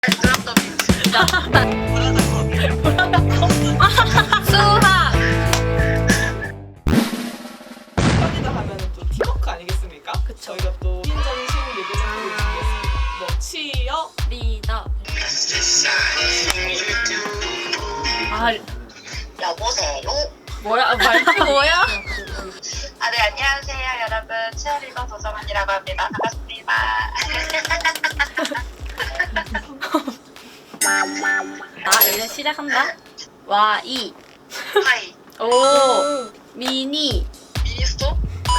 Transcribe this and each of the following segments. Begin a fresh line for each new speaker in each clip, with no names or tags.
수학.
편이다 하면은 또 팀워크 아니겠습니까?
그쵸.
저희가 또 인정식 예고작품을 준비했습니다. 뭐 치어,
리더. 아
여보세요?
뭐야 말투 뭐야?
아, 네, 안녕하세요, 여러분. 치어리더 도정원이라고 합니다. 반갑습니다.
아 이제 시작한다. 와이.
하이.
오. 미니.
미니스톱?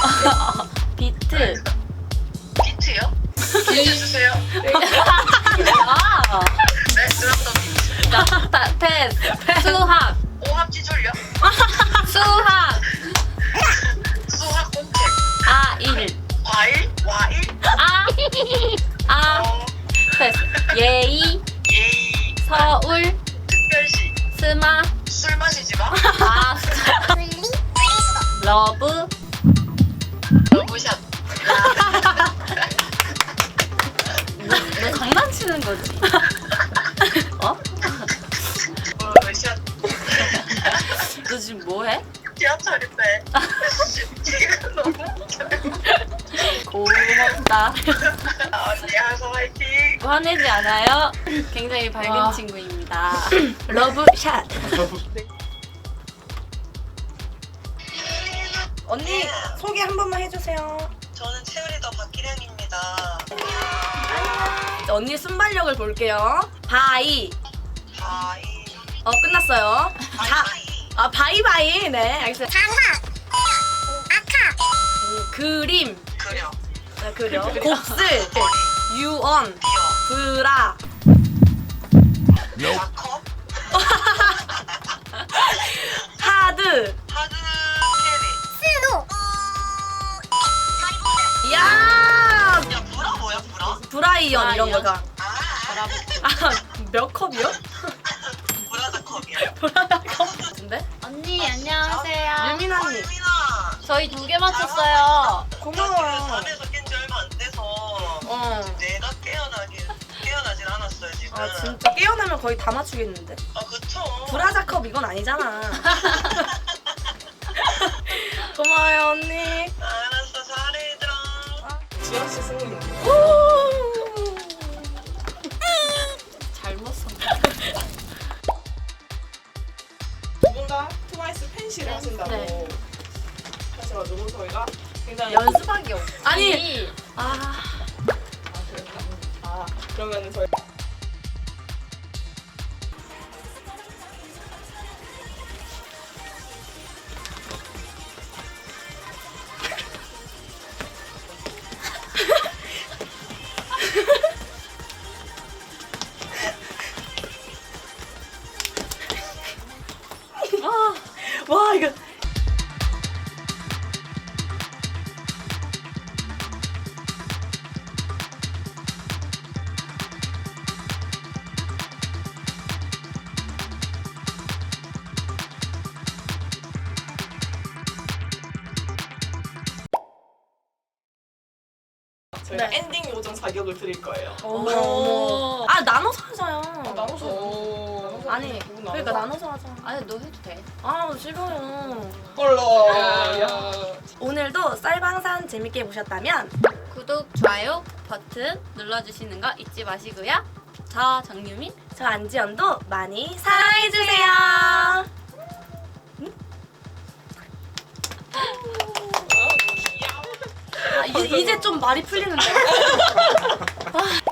비트.
비트요? 비트 주세요.
아.
네, 드럼더 비트.
패스. 수학.
오합지 졸려?
수학.
수학 공책.
아일.
과일? 와일?
아.
어,
패스. 예의.
예의.
서울.
특별시.
스마.
술 마시지 마.
아. 러브.
러브샷.
너 장난치는 거지? 어?
러브샷.
너 지금 뭐 해?
지하철인데. 지금 너무 웃겨요.
고맙다.
언니 항상 화이팅.
화내지 않아요? 굉장히 밝은
와.
친구입니다. 러브샷.
언니 소개 한 번만 해주세요.
저는 치어리더 박기량입니다.
언니 순발력을 볼게요. 바이.
바이.
끝났어요. 바이바이. 네, 알겠어요. 그림.
그려.
네, 그려. 곱슬.
머리.
유언.
비어.
브라.
자컵.
하드.
하드 캐리.
야.
야, 브라 뭐야, 브라?
브라이언 이런
브라이언?
거가. 몇 컵이요?
브라자 컵이야.
같은데?
언니 안녕하세요.
유민 언니.
유민아.
저희 2개 맞췄어요.
고마워요.
잠에서 깬 지 얼마 안 돼서 내가 깨어나진 않았어요, 지금.
아 진짜 깨어나면 거의 다 맞추겠는데.
아, 그쵸.
브라자컵 이건 아니잖아. 고마워요 언니.
알았어, 잘해, 얘들아.
지연씨 승리.
잘못 썼네.
두 분 다 트와이스 팬시를
네.
하신다고
네.
하셔가지고 저희가 굉장히
연습하기 없지.
아니.
아.
그랬나? 그러면은 저희 와 이거 저희가
네.
엔딩 요정 자격을 드릴 거예요.
오.
아 나눠서 하자요.
나눠서.
아니 그러니까 나눠서 하자.
아니 너 해도 돼.
아 싫어요.
홀로.
오늘도 쌀방산 재밌게 보셨다면
구독, 좋아요 버튼 눌러주시는 거 잊지 마시고요. 저 정유민.
저 안지연도 많이 사랑해주세요. 이제 좀 말이 풀리는데.